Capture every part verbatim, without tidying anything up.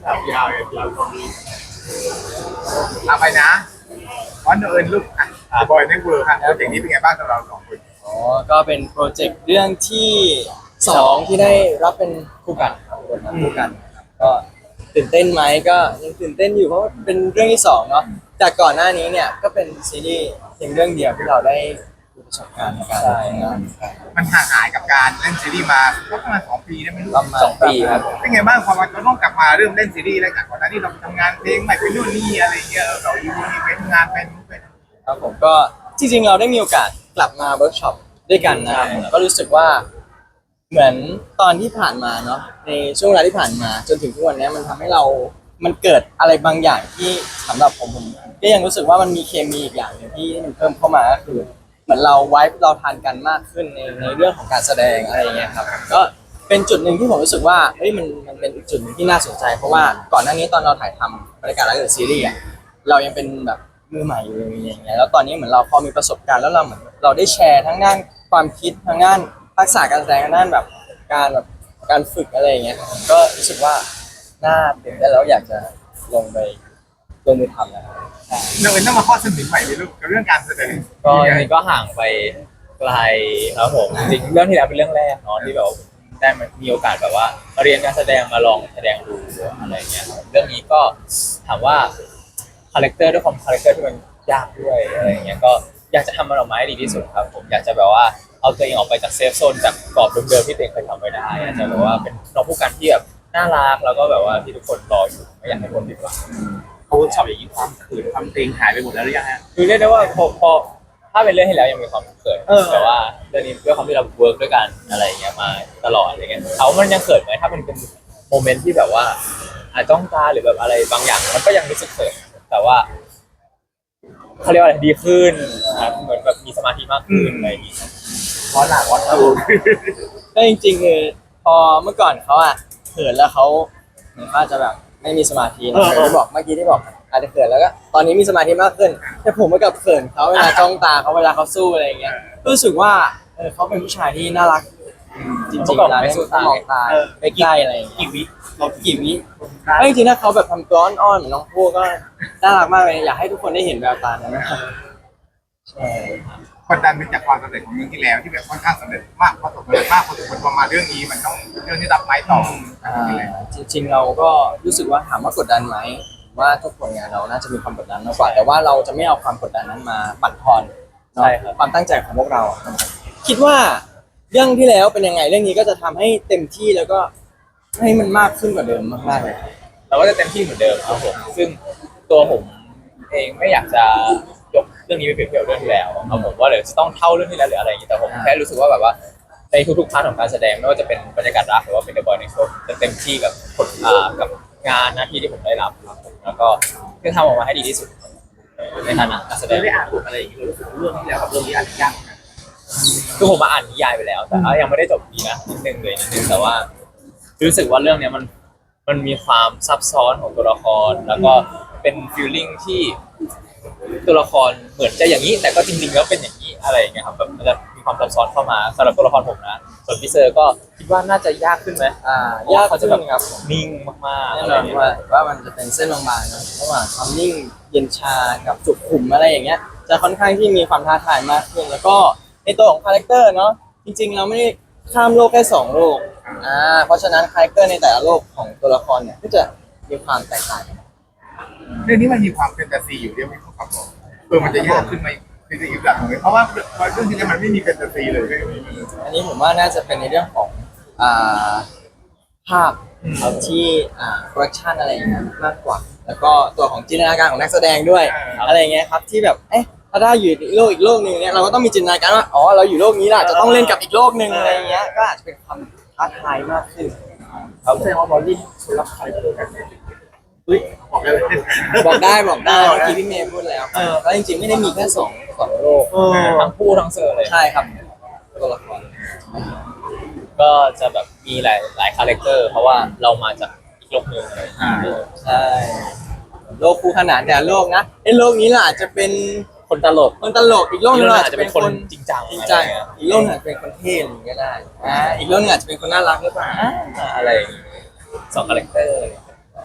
ครับยาวเลยครับเอาไปนะวันเอิญลูกอ่ะบอยในเวิร์ครับโปรเจกต์นี้เป็นไงบ้างสำหรับเราสองคนอ๋อก็เป็นโปรเจกต์เรื่องที่สองที่ได้รับเป็นคู่กันครับบทบาทคู่กันครับก็ตื่นเต้นไหมก็ยังตื่นเต้นอยู่เพราะว่าเป็นเรื่องที่สองเนาะจากก่อนหน้านี้เนี่ยก็เป็นซีรีส์เพียงเรื่องเดียวที่เราได้มีประสบการณ์ในการทำงานกันมันห่างหายกับการเล่นซีรีส์มาก็ประมาณสองปีได้ไหมลูกประมาณสองปีครับเป็นไงบ้างพอมาเราต้องกลับมาเริ่มเล่นซีรีส์แล้วจากก่อนหน้านี้เราทำงานเพลงใหม่เป็นนู่นนี่อะไรเงี้ยเราอยู่นี่เป็นงานเป็นเป็นครับผมก็จริงๆเราได้มีโอกาสกลับมาเวิร์กช็อปด้วยกันนะครับก็รู้สึกว่าเหมือนตอนที่ผ่านมาเนาะในช่วงเวลาที่ผ่านมาจนถึงทุกวันนี้มันทำให้เรา มันเกิดอะไรบางอย่างที่สำหรับผมผมก็ยังรู้สึกว่ามันมีเคมีอีกอย่างหนึ่งที่มันเพิ่มเข้ามาก็คือเหมือนเราไว้เราทานกันมากขึ้นในในเรื่องของการแสดงอะไรอย่างเงี้ยครับก็เป็นจุดหนึ่งที่ผมรู้สึกว่าเฮ้ยมันมันเป็นอีกจุดหนึ่งที่น่าสนใจเพราะว่าก่อนหน้านี้ตอนเราถ่ายทำรายการรักเดอะซีรีส์อะเรายังเป็นแบบมือใหม่อยู่อย่างเงี้ยแล้วตอนนี้เหมือนเราพอมีประสบการณ์แล้วเราเหมือนเราได้แชร์ทั้งด้านความคิดทั้งด้านทักษะการแสดงทั้งด้านแบบการแบบการฝึกอะไรอย่างเงี้ยก็รู้สึกว่าน่าตื่นเต้นแล้วอยากจะลงไปลงมือทำนะครับเราเองต้องมาข้อเสนอใหม่เลยลูกกับเรื่องการแสดงก็จริงๆก็ห่างไปไกลครับผมจริงๆเรื่องที่แล้วเป็นเรื่องแรกเนาะที่แบบว่าได้มามีโอกาสแบบว่ามาเรียนการแสดงมาลองแสดงดูอะไรเงี้ยครับเรื่องนี้ก็ถามว่าคาแรคเตอร์ด้วยความคาแรคเตอร์ที่มันยากด้วยอะไรเงี้ยก็อยากจะทำมันออกมาให้ดีที่สุดครับผมอยากจะแบบว่าเอาตัวเองออกไปจากเซฟโซนจากกรอบเดิมๆที่ตัวเองเคยทำไว้ได้อยากจะแบบว่าเป็นน้องผู้กันที่แบบน่ารักแล้วก็แบบว่าที่ทุกคนรออยู่ไม่อยากให้คนผิดหวังเขาชอบอย่างนี้ความขืนความเกรงหายไปหมดแล้วหรือยังฮะคือเรียกได้ว่าพอพอถ้าเป็นเรื่องที่แล้วยังมีความเขินเออแต่ว่าเรื่องนี้ด้วยความที่เราเวิร์กด้วยกันอะไรอย่างเงี้ยมาตลอดอะไรเงี้ยเขามันยังเขินไหมถ้ามันเป็นโมเมนต์ที่แบบว่าอาจจ้องตาหรือแบบอะไรบางอย่างมันก็ยังรู้สึกเขินแต่ว่าเขาเรียกว่าอะไรดีขึ้นครับเหมือนแบบมีสมาธิมากขึ้นอะไรอย่างเงี้ยเพราะหลักวัดตูก็จริงๆคือพอเมื่อก่อนเขาอะเขินแล้วเขาเหมือนเขาอาจจะแบบไม่มีสมาธินะที่บอกเมื่อกี้ที่บอกอาจจะเขินแล้วก็ตอนนี้มีสมาธิมากขึ้นแต่ผมก็กับเขินเขาเวลาจ้องตาเขาเวลาเขาสู้อะไรอย่างเงี้ยรู้สึกว่าเออเขาเป็นผู้ชายที่น่ารักจริงๆเวลาเล่นต้องมองตาใกล้ๆอะไรอย่างเงี้ยกี่วิเรากี่วิเอ้ยจริงๆถ้าเขาแบบทำตัวอ่อนๆเหมือนน้องพูก็น่ารักมากเลยอยากให้ทุกคนได้เห็นแววตานั้นนะครับใช่กดดันเป็นจากความสำเร็จของเรื่องที่แล้วที่แบบค่อนข้างสำเร็จมากประสบความสำเร็จมากพอสมควรพอมาเรื่องนี้มันต้องเรื่องที่รับไม้ต่ออ่าจริงๆเราก็รู้สึกว่าถามว่ากดดันไหมว่าทุกผลงานเราน่าจะมีความกดดันมากกว่าแต่ว่าเราจะไม่เอาความกดดันนั้นมาบั่นทอนเนาะความตั้งใจของพวกเราคิดว่าเรื่องที่แล้วเป็นยังไงเรื่องนี้ก็จะทำให้เต็มที่แล้วก็ให้มันมากขึ้นกว่าเดิมมากๆเลยเราก็จะเต็มที่เหมือนเดิมครับผมซึ่งตัวผมเองไม่อยากจะยกเรื่องนี้ไปเปรียบเทียบเรื่องที่แล้วครับผมว่าเดี๋ยวจะต้องเท่าเรื่องที่แล้วหรืออะไรอย่างนี้แต่ผมแค่รู้สึกว่าแบบว่าในทุกๆพาร์ทของการแสดงไม่ว่าจะเป็นบรรยากาศรักหรือว่าเป็นเดอะบอยในโชว์จะเต็มที่กับผลอ่ากับงานหน้าที่ที่ผมได้รับครับผมแล้วก็จะทำออกมาให้ดีที่สุดในฐานะนักแสดงได้อ่านบทอะไรอย่างนี้รู้สึกเรื่องที่แล้วกับเรื่องนี้อาจจะยากคือผมมาอ่านนิยายไปแล้ว แต่ว่ายังไม่ได้จบดีนะนิดนึงเลยนิดนึงแต่ว่ารู้สึกว่าเรื่องเนี้ยมันมันมีความซับซ้อนของตัวละคร แล้วก็เป็นฟีลลิ่งที่ตัวละครเหมือนจะอย่างนี้ แต่ก็จริงๆแล้วเป็นอย่างนี้อะไรอย่างเงี้ยครับแบบมันจะมีความซับซ้อนเข้ามาสำหรับตัวละครผมนะส่วนพี่เซอร์ก็คิดว่าน่าจะยากขึ้นไหมอ่ายากเขาจะขึ้แบบนครับนิ่งมากๆแน่อะนไรออน ย่างเงี้ยว่าว่ามันจะเป็นเส้นบางๆนะระหว่างความนิ่งเย็นชากับจุกขุมอะไรอย่างเงี้ยจะค่อนข้างที่มีความท้าทายมากขึ้นแล้วก็ในตัวของคาแรคเตอร์เนาะจริงๆเราไม่ได้ข้ามโลกแค่สองโลกอ่าเพราะฉะนั้นคาแรคเตอร์ในแต่ละโลกของตัวละครเนี่ยก็จะมีความแตกต่างกันเรื่องนี้มันมีความแฟนตาซีอยู่เรื่องไม่เข้ากับเราเออมันจะยากขึ้นไหมคือจะอีกแบบหนึ่งเพราะว่าเรื่องที่แล้วมันไม่มีแฟนตาซีเลยเรื่องนี้อันนี้ผมว่าน่าจะเป็นในเรื่องของอ่าภาพเอาที่อ่าโปรดักชันอะไรอย่างเงี้ยมากกว่า แล้วก็ตัวของจินตนาการของนักแสดงด้วยอะไรอย่างเงี้ยครับที่แบบเอ๊ะถ้าได้อยู่อีกโลกอีกโลกหนึ่งเนี่ยเราก็ต้องมีจินตนาการว่าอ๋อเราอยู่โลกนี้แหละจะต้องเล่นกับอีกโลกหนึ่งอะไรอย่างเงี้ยก็อาจจะเป็นความท้าทายมากขึ้นเขาแสดงว่าบอลลี่คนรับใครเพื่อกันอุ้ยบอกเลยบอกได้บอกได้เมื่อกี้พี่เมย์พูดแล้วแล้วจริงๆไม่ได้มีแค่สองสองโลกทั้งผู้ทั้งเซอร์เลยใช่ครับตัวละครก็จะแบบมีหลายหลายคาแรคเตอร์เพราะว่าเรามาจากอีกโลกหนึ่งอะไรอย่างเงี้ยใช่โลกคู่ขนานแต่ละโลกนะไอ้โลกนี้ล่ะอาจจะเป็นคนตลกคนตลกอีกโลกหนึงอีกโลกหนึ่งอาจจะเป็นคนจริงจังจริงจังอะไรเงี้ยอีกโลกหนึงอาจจะเป็นคนเท่อะไรอย่างเงี้ยก็ได้อ่าอีกโลกหนึงอาจจะเป็นคนน่ารักหรือเปล่าอะไรอย่างเงี้ยสองคาแรคเตอร์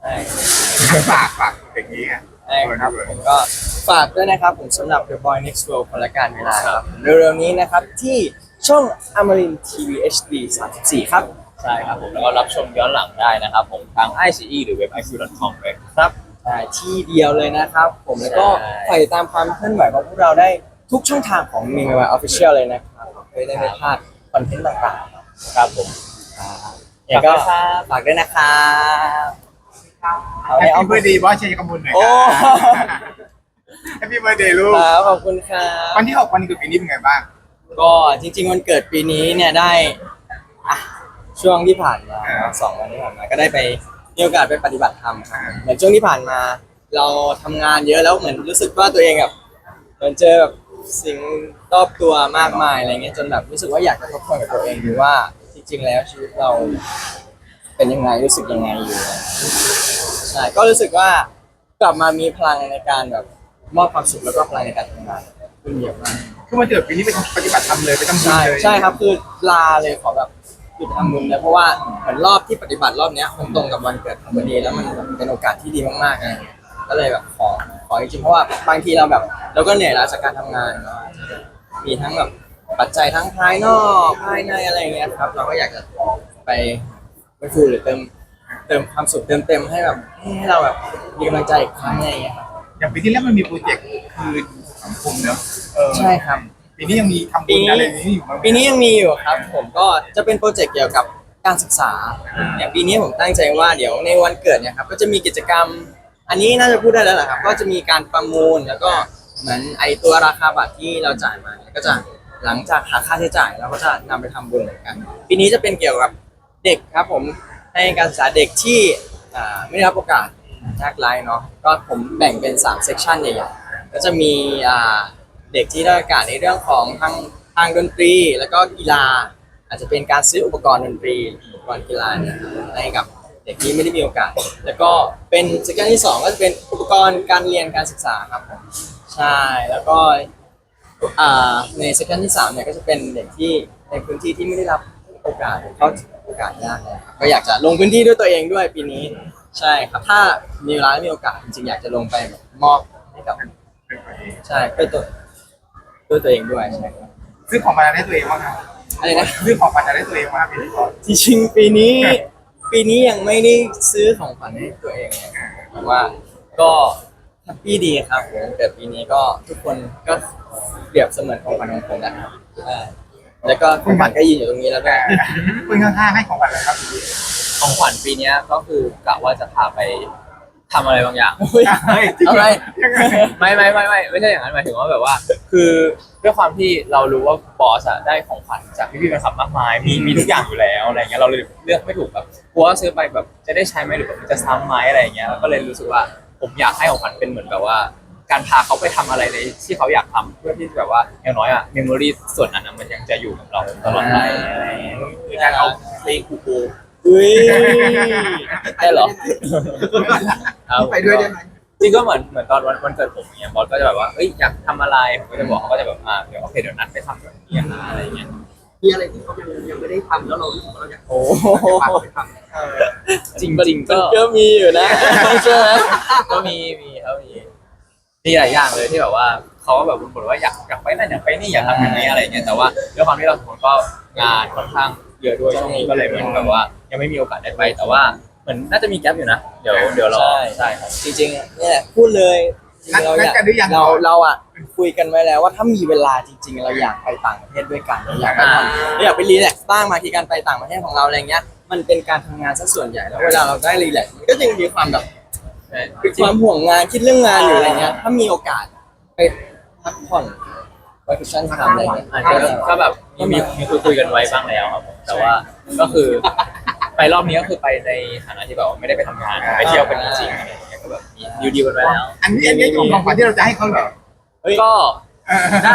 ฝากฝากอย่างนี้อ่ะใช่ครับผมก็ฝากด้วยนะครับผมสำหรับ The Boy Next World คนละการเวลาครับเร็วๆนี้นะครับที่ช่องอมรินทีวี เอช ดี สามสิบสี่ครับใช่ครับผมแล้วก็รับชมย้อนหลังได้นะครับผมทาง ไอ ซี อี หรือเว็บ ไอ คิว ดอท คอม เลยครับใช่ที่เดียวเลยนะครับผมแล้วก็ใช่ฝากติดตามความเคลื่อนไหวของพวกเราได้ทุกช่องทางของ m i ม y Official เลยนะครับเพื่อได้ไม่พลาดคอนเทนต์ต่างๆครับผมแล้วก็ฝากด้วยนะครับเอาแฮให้ปอ้อปี้มเบ t ร์ a เดย์บอสชัยกมลหน่อยโอ้แฮปปี้เบ t ร์ a เดย์ลูกครับขอบคุณครับวันที่หกวันนี้คือปีนี้เป็นไงบ้างก็จริงๆวันเกิดปีนี้เนี่ยได้อ่ะช่วงที่ผ่านมาสองวันที่ผ่านมาก็ได้ไปมีโอกาสไปปฏิบัติธรรมครับเหมือนช่วงที่ผ่านมา เราทำงานเยอะแล้วเหมือนรู้สึกว่าตัวเองแบบเหมือนเจอแบบสิ่งรอบตัวมากมายอะไรเงี้ยจนแบบรู้สึกว่าอยากจะทบทวนกับตัวเองดูว่าจริงๆแล้วชีวิตเราเป็นยังไงรู้สึกยังไงอยู่ใช่ก็รู้สึกว่ากลับมามีพลังในการแบบมอบความสุขแล้วก็พลังในการทำงานขึ้นเยอะมากคือวันเกิดปีนี้เป็นปฏิบัติธรรมเลยไปทำบุญใช่เลยใช่ครับคือลาเลยขอแบบหยุดทำบุญเลยเพราะว่าเหมือนรอบที่ปฏิบัติรอบเนี้ยมันตรงกับวันเกิดของพอดีแล้วมันเป็นโอกาสที่ดีมากๆเลยก็เลยแบบขอขอจริงๆเพราะว่าบางทีเราแบบเราก็เหนื่อยล้าจากการทำงานเนอะมีทั้งแบบปัจจัยทั้งภายนอกภายในอะไรอย่างเงี้ยครับเราก็อยากจะไปไปฟูหรือเติมเติมความสุขเติมเต็มให้แบบให้เราแบบมีกำลังใจอีกครั้งอะไรอย่างเงี้ยครับอย่างปีที่แล้วมันมีโปรเจกต์คือสังคมเนอะเออใช่ครับปีนี้ยังมีทำบุญอะไรอย่างนี้อยู่มั้ยปีนี้ยังมีอยู่ครับผมก็จะเป็นโปรเจกต์เกี่ยวกับการศึกษาเนี่ยปีนี้ผมตั้งใจว่าเดี๋ยวในวันเกิดเนี่ยครับก็จะมีกิจกรรม อันนี้น่าจะพูดได้แล้วแหละครับก็จะมีการประมูลแล้วก็เหมือนไอตัวราคาบัตรที่เราจ่ายมาเนี่ยก็จะหลังจากหักค่าใช้จ่ายเราก็จะนำไปทำบุญเหมือนกัน ปีนี้จะเป็นเกี่ยวกับเด็กครับผมให้การศึกษาเด็กที่อ่าไม่ได้รับโอกาสยากไร้เนาะก็ผมแบ่งเป็นสามเซกชันใหญ่ๆก็จะมีอ่า เด็กที่ได้โอกาสในเรื่องของทางทางดนตรีแล้วก็กีฬา อาจจะเป็นการซื้ออุปกรณ์ดนตรีอุปกรณ์กีฬาเนี่ยให้กับเด็กที่ไม่ได้มีโอกาส แล้วก็เป็นเซกชันที่สองก็จะเป็นอุปกรณ์การเรียนการศึกษาครับผมใช่แล้วก็อ่าในเซกชันที่สามเนี่ยก็จะเป็นเด็กที่ในพื้นที่ที่ไม่ได้รับโอกาสเขาถึงโอกาสยากเลยครับก็อยากจะลงพื้นที่ด้วยตัวเองด้วยปีนี้ใช่ครับถ้ามีเวลาและมีโอกาสจริงๆอยากจะลงไปแบบมอบให้กับใช่เพื่อตัว ด้วยตัวเองด้วยใช่ครับซื้อของมาได้ตัวเองบ้างครับอะไรนะซื้อของมาได้ตัวเองบ้างปีนี้ก่อนจริงๆปีนี้ ปีนี้ยังไม่ได้ซื้อของขวัญให้ตัวเองเลยแต่ว่าก็แฮปปี้ดีครับผมเกิดปีนี้ก็ทุกคนก็เปรียบเสมือนของขวัญของผมนะครับใช่แล้วก็ของขวัญก็ยืนอยู่ตรงนี้แล้วด้วยคุณข้างๆให้ของขวัญอะไรครับของขวัญปีเนี้ยก็คือกะว่าจะพาไปทำอะไรบางอย่างเฮ้ยเฮ้ยเอาไรยังไงไม่ไม่ไม่ไม่ไม่ใช่อย่างนั้นหมายถึงว่าแบบว่า คือด้วยความที่เรารู้ว่าบอสอะได้ของขวัญจากพี่พี่ๆแฟนคลับมากมายมีมีทุกอย่างอยู่แล้วอะไรเงี้ยเราเลยเลือกไม่ถูกแบบกลัวว่าซื้อไปแบบจะได้ใช้ไหมหรือแบบมันจะซ้ำไหมอะไรเงี้ยแล้วก็เลยรู้สึกว่าผมอยากให้ของขวัญเป็นเหมือนแบบว่า การพาเขาไปทำอะไรในที่เขาอยากทำเพื่อที่แบบว่าอย่างน้อยอะเมมโมรีส่วนนั้นอะมันยังจะอยู่กับเราตลอดไปอะไรเงี้ยหรือการเอาเพลงคูคูอุ้ยได้เหรอไปด้วยได้ไหมจริงก็เหมือนเหมือนตอนวันวันเกิดผมอย่างเงี้ยบอสก็จะแบบว่าเอ้ยอยากทำอะไรผมก็จะบอกเขาก็จะแบบอ่าเดี๋ยวโอเคเดี๋ยวนัดไปทำแบบนี้นะอะไรเงี้ยมีอะไรที่เขายังยังไม่ได้ทำแล้วเรารู้สึกว่าเราอยากโอ้โหไปทำเออจริงจริงๆก็ก็มีอยู่นะใช่ไหมก็มีมีเขามีมีหลายอย่างเลยที่แบบว่าเขาก็แบบบ่นว่าอยากอยากไปนั่นอยากไปนี่อยากทำอย่างนี้อะไรเงี้ยแต่ว่าด้วยความที่เราสองคนก็งานค่อนข้างเยอะด้วยช่วงนี้ก็เลยเหมือนแบบว่า ยังไม่มีโอกาสได้ไปแต่ว่าเหมือนน่าจะมีแก๊ปอยู่นะเดี๋ยวเดี๋ยวรอใช่ครับจริงๆเนี่ยพูดเลยจริงๆเราอยากนัดกันหรือยังเราเราอ่ะคุยกันไว้แล้วว่าถ้ามีเวลาจริง ๆ เราอยากไปต่างประเทศด้วยกันเราอยากไปทำเราอยากไปรีแลกซ์บ้างมาที่การไปต่างประเทศของเราอะไรเงี้ยมันเป็นการทำงานซะส่วนใหญ่แล้วเวลาเราได้รีแลกซ์มันก็ยังมีความแบบความห่วงงานคิดเรื่องงานอยู่อะไรเงี้ยถ้ามีโอกาสไปพักผ่อนไปคุชชั่นทำอะไรเงี้ยอาจจะก็แบบมีมีมีคุยคุยกันไว้บ้างแล้วครับผมแต่ว่าก็คือไปรอบนี้ก็คือไปในฐานะที่แบบว่าไม่ได้ไปทำงานไปเที่ยวกันจริงๆอะไรอย่างเงี้ยก็แบบมีดีลดีลกันไว้แล้วอันนี้อันนี้ของของขวัญที่เราจะให้เขาเหรอก็เออได้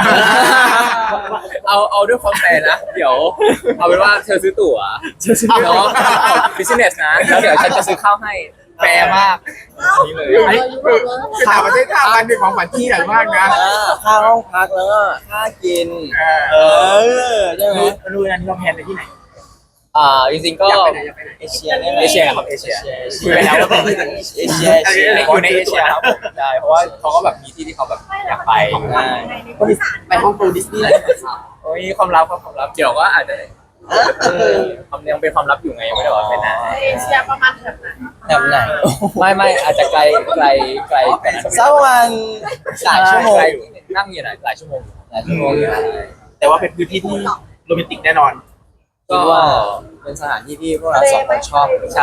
เอาเอาด้วยความแฟร์นะ เดี๋ยว เอาเป็นว่าเธอซื้อตั๋วเนาะบิสเนสนะแล้วเดี๋ยวฉันจะซื้อข้าวให้แฟร์มากนี่เลยคือคือคือต่างประเทศท่ามันเป็นของขวัญที่ใหญ่มากนะอ่าค่าห้องพักแล้วก็ค่ากินเออเออใช่ไหมรู้นะที่เราแพลนไปที่ไหนอ่าจริงๆก็อยากไปไหนอยากไปไหนเอเชียนี่แหละเอเชียครับเอเชียเอเชีคุยยไปแล้วว่าเป็นเอเชียเอเชียอยู่ในเอเชียครับผมใช่เพราะว่าเขาก็แบบมีที่ที่เขาแบบอยากไปได้ไปฮ่องกงดิสนีย์แลนด์โอ้ยความลับครับความลับเดี๋ยวก็อาจจะความยังเป็นความลับอยู่ไงยังไม่ได้บอกเป็นนะเอเชียประมาณแบบไหนแบบไหนไม่ไม่อาจจะไกลไกลไกลกว่านั้นสักประมาณหลายชั่วโมงไกลอยู่นั่งอยู่ไหนหลายชั่วโมงหลายชั่วโมงอยู่แต่ว่าเป็นพื้นที่ที่โรแมนติกแน่นอนคิดว่าเป็นสถานที่ที่พวกเราสองคนชอบใช่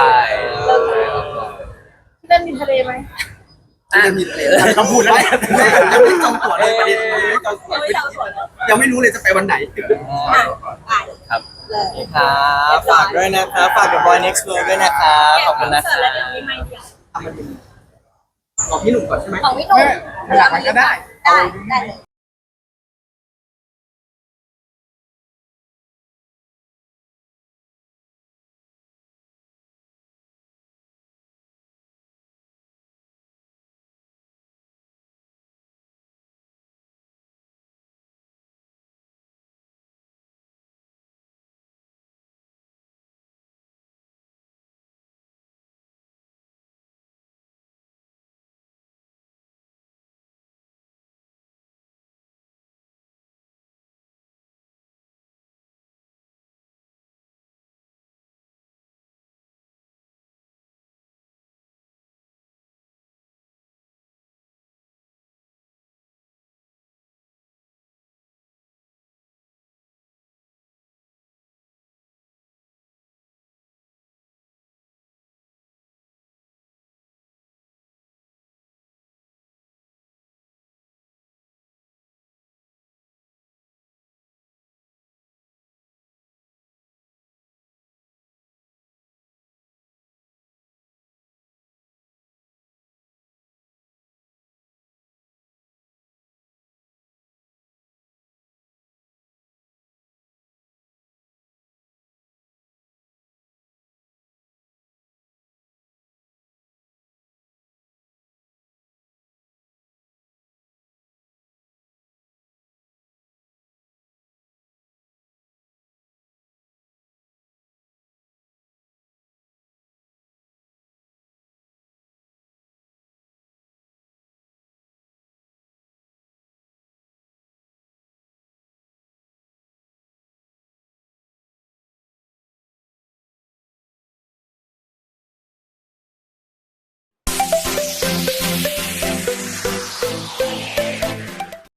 ที่นั่นมีทะเลไหมที่จะมีทะเลต้องพูดแล้วแหละยังไม่จองตั๋วเลยประเด็นยังไม่จองตั๋วไม่เอาส่วนยังไม่รู้เลยจะไปวันไหนครับครับฝากด้วยนะครับฝาก The Boy Next World ด้วยนะครับขอบคุณนะคเสิรัร์ตแล้วเดี๋ยวบมีไม่เดียวทำมันดีของพี่หนุ่มก่อนใช่ไหมของพี่หนุ่มขนาดมันก็ได้ได้ได้เลย